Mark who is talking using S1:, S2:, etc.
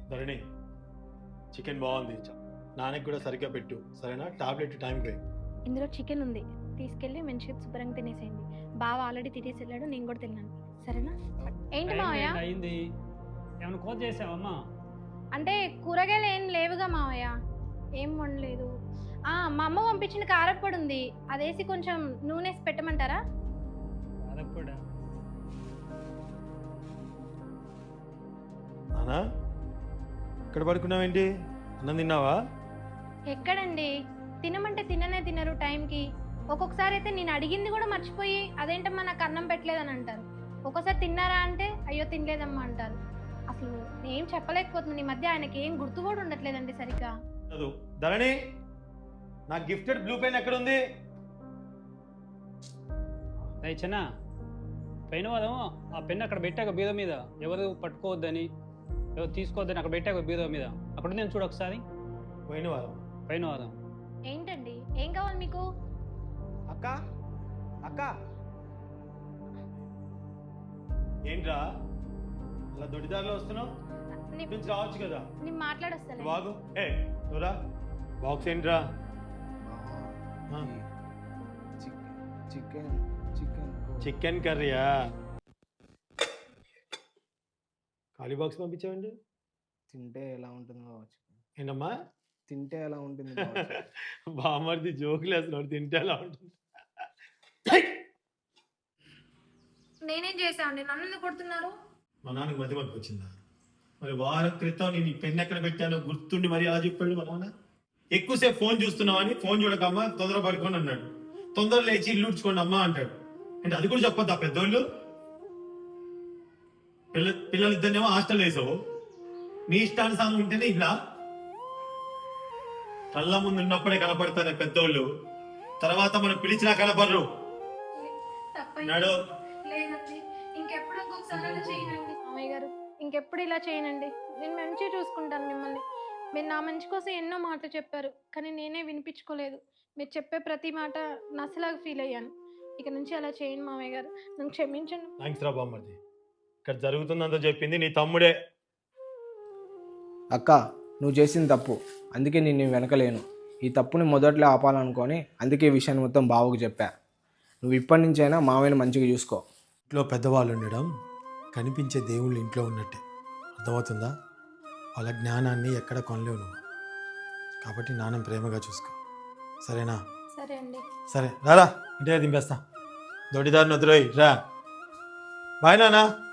S1: ధరణి chicken బాగుంది, నాన్నకి కూడా సరిగ్గా పెట్టు సరేనా, టాబ్లెట్ టైంకి.
S2: ఇందులో చికెన్ ఉంది, తీసుకెళ్ళి మంచిగా శుభ్రంగా తినేసేయండి. బావ ఆల్రెడీ తినేసి వెళ్ళాడు, నేను కూడా తిన్నాను సరేనా. ఏంటి మావయ్య?
S3: అయింది, ఏమైనా కోత చేసావమ్మా?
S2: అంటే కూరగాయలు ఏం లేవుగా మావయ్య, ఏం వండలేదు. మా అమ్మ పంపించిన కారప్పొడి ఉంది, అదేసి కొంచెం నూనె వేసి పెట్టమంటారా?
S3: కారప్పొడా?
S1: నానా ఇక్కడ పడుకున్నావేంటి, అన్నం తిన్నావా?
S2: ఎక్కడండి, తినమంటే తినరు టైంకి. ఒక్కొక్కసారి అయితే నేను అడిగింది కూడా మర్చిపోయి అదేంటమ్మా నాకు అన్నం పెట్టలేదని అంటారు. ఒక్కోసారి తిన్నారా అంటే అయ్యో తినలేదమ్మా అంటారు. అసలు ఏం చెప్పలేకపోతుంది, ఈ మధ్య ఆయనకి ఏం గుర్తు కూడా ఉండట్లేదండి సరిగ్గా.
S1: ధరణి నా గిఫ్టెడ్ బ్లూ పెన్ ఎక్కడ ఉంది?
S3: చిన్న పైన వాదం ఆ పెన్ అక్కడ పెట్టాక బీద మీద, ఎవరు పట్టుకోవద్దని ఎవరు తీసుకోవద్దని అక్కడ పెట్టాక బీద మీద, అక్కడ నేను చూడ ఒకసారి.
S1: పోయిన వారం
S3: పైన వాదం.
S2: ఏంటండి, ఏం కావాలి మీకు?
S4: అక్క అక్క
S1: ఏంట్రా అలా దొడిదారిలో వస్తున్నావు, నుంచి రావచ్చు కదా.
S2: నేను మాట్లాడొస్తాను.
S1: బాగు ఏ నువ్వురా, బాక్స్ ఏంట్రా?
S4: చికెన్ చికెన్
S1: చికెన్ కర్రీయా? ఖాళీ బాక్స్ పంపించావండి.
S4: తింటే ఎలా ఉంటుందో కావచ్చు.
S1: ఏంటమ్మా
S4: తింటే ఎలా ఉంటుంది
S1: బామర్ది జోకులు వేస్తున్నాడు, తింటే ఎలా ఉంటుంది?
S2: నేనేం చేశానండి, నన్ను ఎందుకు కొడుతున్నారు?
S1: మా నాన్నకి మధ్య మధ్య వచ్చిందా? మరి వారం క్రితం నేను ఈ పెన్ ఎక్కడ పెట్టానో గుర్తుండి మరి అలా చెప్పాడు మా నాన్న. ఎక్కువసేపు ఫోన్ చూస్తున్నావని, ఫోన్ చూడకమ్మా తొందర పడుకోండి అన్నాడు. తొందర లేచి ఇల్లు ఉడ్చుకోండి అమ్మా అంటాడు. అంటే అది కూడా చెప్పొద్దా పెద్దోళ్ళు? పిల్లలిద్దరినేమో హాస్టల్ వేసావు, నీ ఇష్టానుసారం ఉంటేనే ఇలా. కళ్ళ ముందు ఉన్నప్పుడే కనపడతారు పెద్దోళ్ళు, తర్వాత మనం పిలిచినా కనపడరు. నాడు
S2: లేదండి, ఇంకెప్పుడు ఇంకొకసారి అలా చేయనండి. మామయ్య గారు ఇంకెప్పుడు ఇలా చేయనండి, నేను మంచిగా చూసుకుంటాను మిమ్మల్ని. మీరు నా మంచి కోసం ఎన్నో మాటలు చెప్పారు, కానీ నేనే వినిపించుకోలేదు. మీరు చెప్పే ప్రతి మాట నసలాగా ఫీల్ అయ్యాను. ఇక నుంచి అలా చేయండి మామయ్య గారు, నన్ను క్షమించండి.
S1: థ్యాంక్స్ రా బామ్మర్ది, ఇక్కడ జరుగుతుందంతా చెప్పింది నీ తమ్ముడే.
S4: అక్క నువ్వు చేసింది తప్పు, అందుకే నేను వెనకలేను. ఈ తప్పుని మొదట్లో ఆపాలనుకొని అందుకే ఈ విషయాన్ని మొత్తం బావకు చెప్పా. నువ్వు ఇప్పటి నుంచైనా మావయ్యని మంచిగా చూసుకో.
S1: ఇంట్లో పెద్దవాళ్ళు ఉండడం కనిపించే దేవుళ్ళు ఇంట్లో ఉన్నట్టే, అర్థమవుతుందా? వాళ్ళ జ్ఞానాన్ని ఎక్కడ కొనలేవు నువ్వు. కాబట్టి నాన్న ప్రేమగా చూసుకో సరేనా?
S2: సరే అండి.
S1: సరే రారా, ఇంటిగా దింపేస్తా. దొడ్డిదారిని వద్దురోయ్ రా. బాయ్ నాన్న.